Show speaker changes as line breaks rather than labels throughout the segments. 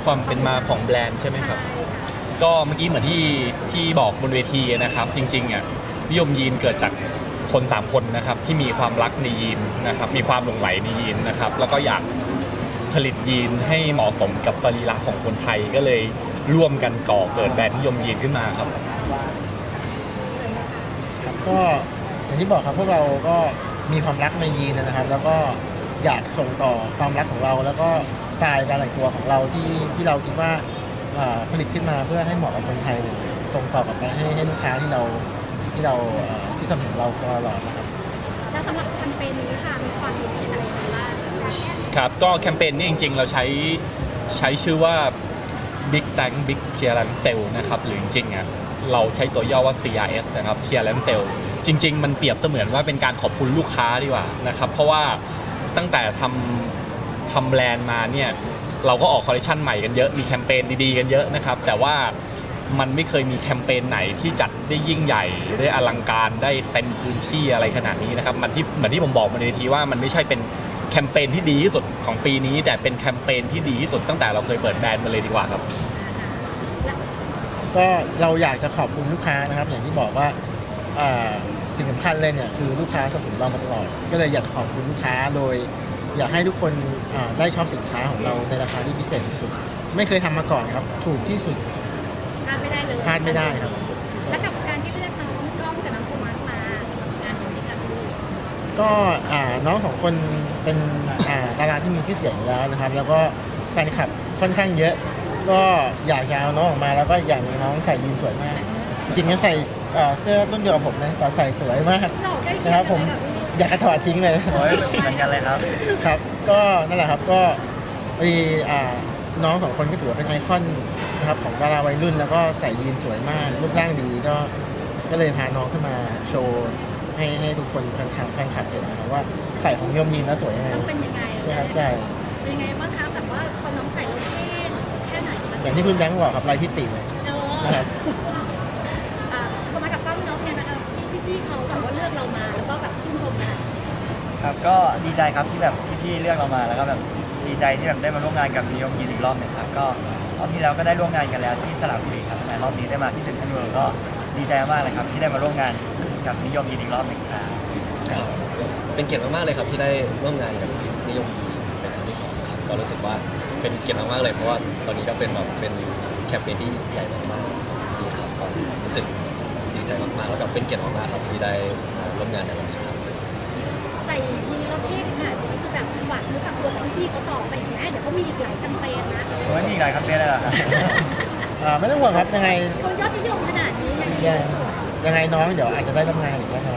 ความเป็นมาของแบรนด์ใช่ไหมครับก็เมื่อกี้เหมือนที่บอกบนเวทีนะครับจริงๆอ่ะนิยมยีนเกิดจากคน3คนนะครับที่มีความรักในยีนนะครับมีความหลงใหลในยีนนะครับแล้วก็อยากผลิตยีนให้เหมาะสมกับสรีระของคนไทยก็เลยร่วมกันก่อเกิดแบรนด์นิยมยีนขึ้นมาครับ
ก็อย่างที่บอกครับพวกเราก็มีความรักในยีนนะครับแล้วก็อยากส่งต่อความรักของเราแล้วก็สไตล์การแต่งตัวของเราที่เราคิดว่าผลิตขึ้นมาเพื่อให้เหมาะกับคนไทยส่งต่อกลับไปให้ลูกค้าที่สนับสนุนเราตลอดนะครับ
แล้วสำหรับแคมเปญนี้ค่ะมีความพิเศษอะไรบ้าง
ครับก็แคมเปญนี้จริงๆเราใช้ชื่อว่า Big Tank Big Clearance Sale นะครับหรือจริงๆอ่ะเราใช้ตัวย่อว่า CRS นะครับ Clearance Sale จริงๆมันเปรียบเสมือนว่าเป็นการขอบคุณลูกค้าดีกว่านะครับเพราะว่าตั้งแต่ทำแบรนด์มาเนี่ยเราก็ออกคอลเลคชันใหม่กันเยอะมีแคมเปญดีๆกันเยอะนะครับแต่ว่ามันไม่เคยมีแคมเปญไหนที่จัดได้ยิ่งใหญ่ได้อลังการได้เต็มพื้นที่อะไรขนาดนี้นะครับเหมือนที่ผมบอกมาในทีว่ามันไม่ใช่เป็นแคมเปญที่ดีที่สุดของปีนี้แต่เป็นแคมเปญที่ดีที่สุดตั้งแต่เราเคยเปิดแบรนด์มาเลยดีกว่าครับ
ก็เราอยากจะขอบคุณลูกค้านะครับอย่างที่บอกว่าสิ่งสำคัญเลยเนี่ยคือลูกค้าสนับสนุนเรามาตลอดก็เลยอยากขอบคุณลูกค้าโดยอยากให้ทุกคนได้ชอบสินค้าของเราในราคาที่พิเศษที่สุดไม่เคยทำมาก่อนครับถูกที่สุด
พลาดไม่ได้เลย
พลาดไม่ได้ครับ
และกับการที่เลือกน้องกล้องกับน้องโทมัสมาสำหรับงานนี้กัน
ก็น้อง2คนเป็นดาราที่มีชื่อเสียงอยู่แล้วนะครับแล้วก็แฟนคลับค่อนข้างเยอะก็อยากจะเอาน้องออกมาแล้วก็อย่างน้องใส่ยีนสวยมากจริงๆใส่เสื้อรุ่นเดียวกับผมนะแต่ใส่สวยมากนะครับผมอยากจะถอดทิ้งเลย
เหมือนกันเลยครับ
ครับก็นั่นแหละครับก็มีน้อง2คนก็ถือว่าเป็นไอคอนนะครับของดาราวัยรุ่นแล้วก็ใส่ยีนสวยมากรูปร่างดีก็เลยพาน้องขึ้นมาโชว์ให้ทุกคนแฟนคลับเห็นนะครับว่าใส่ของนิยมยีนแล้วสวยยังไง
ต้องเป็นยังไง
นะครับใช่
เป็นยังไงบ้างคะแต่ว่าพอน้องใส่แล้วแค่ไหน
อย่างที่คุณแบงค์บอกครับลายที่ติเลย
นะครับพอมากับกล้องน้องเนี่ยนะคะพี่เขาแบบว่าเลือกเรามาแล้วก็แบบชื่นชม
ครับก็ดีใจครับที่แบบพี่เลือกเรามาแล้วก็แบบดีใจที่แบบได้มาร่วมงานกับนิยมยีนอีกรอบหนึ่งครับก็รอบที่แล้วก็ได้ร่วมงานกันแล้วที่สระบุรีครับแต่รอบนี้ได้มาที่เซ็นทรัลเวิลด์ก็ดีใจมากเลยครับที่ได้มาร่วมงานกับนิยมยีนอีกรอบหนึ่งครับ
เป็นเกียรติมากๆเลยครับที่ได้ร่วมงานกับนิยมยีนเป็นครั้งที่2ครับก็รู้สึกว่าเป็นเกียรติมากๆเลยเพราะว่าตอนนี้ก็เป็นแคมเปญที่ใหญ่มากๆดีครับก็รู้สึกดีใจมากๆแล้วก็เป็นเกียรติมากๆครับที่ได้ร่วมงานในวันนี้ครับ
ใส่ยีนแล้วเท่ขนาดนี้คือแบบฝากเนื้อฝากตัวพี่เขาต่อไปอีกนะเดี๋ยวเขามีอีกหลายแคมเปญนะ
มีอีกหลายแคมเปญเลยเหรอ
ไม่ต้องห่วงครับยังไง
เขายอดนิยมขนาดนี้
ยังไงน้องเดี๋ยวอาจจะได้ร่วมงานอีกแน่นอน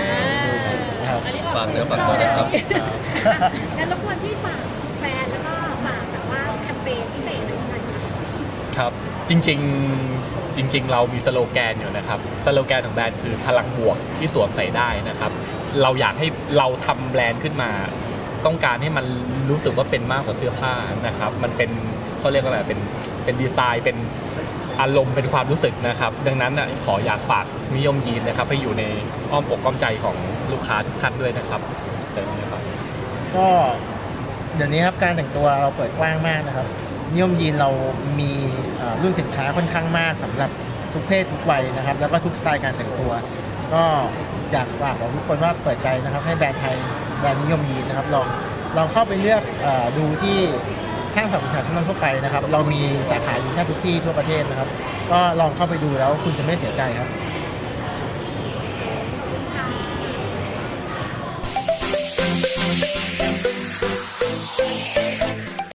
ฝากเนื้อฝากตัวนะครับ
งั้นรบกวนที่ฝากแฟนแล้วก็ฝากแบบว่าแคมเปญพิเศษอะไรอย่างเงี้ย
ครับจริงเรามีสโลแกนอยู่นะครับสโลแกนของแบรนด์คือพลังบวกที่สวมใส่ได้นะครับเราอยากให้เราทำแบรนด์ขึ้นมาต้องการให้มันรู้สึกว่าเป็นมากกว่าเสื้อผ้านะครับมันเป็นเขาเรียกว่าอะไรเป็นดีไซน์เป็นอารมณ์เป็นความรู้สึกนะครับดังนั้นขออยากฝากนิยมยีนนะครับให้อยู่ในอ้อมอกอ้อมใจของลูกค้าทุกท่านด้วยนะครับ
ก็เดี๋ยวนี้ครับการแต่งตัวเราเปิดกว้างมากนะครับนิยมยีนเรามีรุ่นสินค้าค่อนข้างมากสำหรับทุกเพศทุกวัยนะครับแล้วก็ทุกสไตล์การแต่งตัวก็อยากฝากบอกทุกคนว่าเปิดใจนะครับให้แบรนด์ไทยแบรนด์นิยมยีนนะครับลองเข้าไปเลือกดูที่ห้างสรรพสินค้าชั้นนำทั่วไปนะครับเรามีสาขาอยู่แทบทุกที่ทั่วประเทศนะครับก็ลองเข้าไปดูแล้วคุณจะไม่เสียใจครับ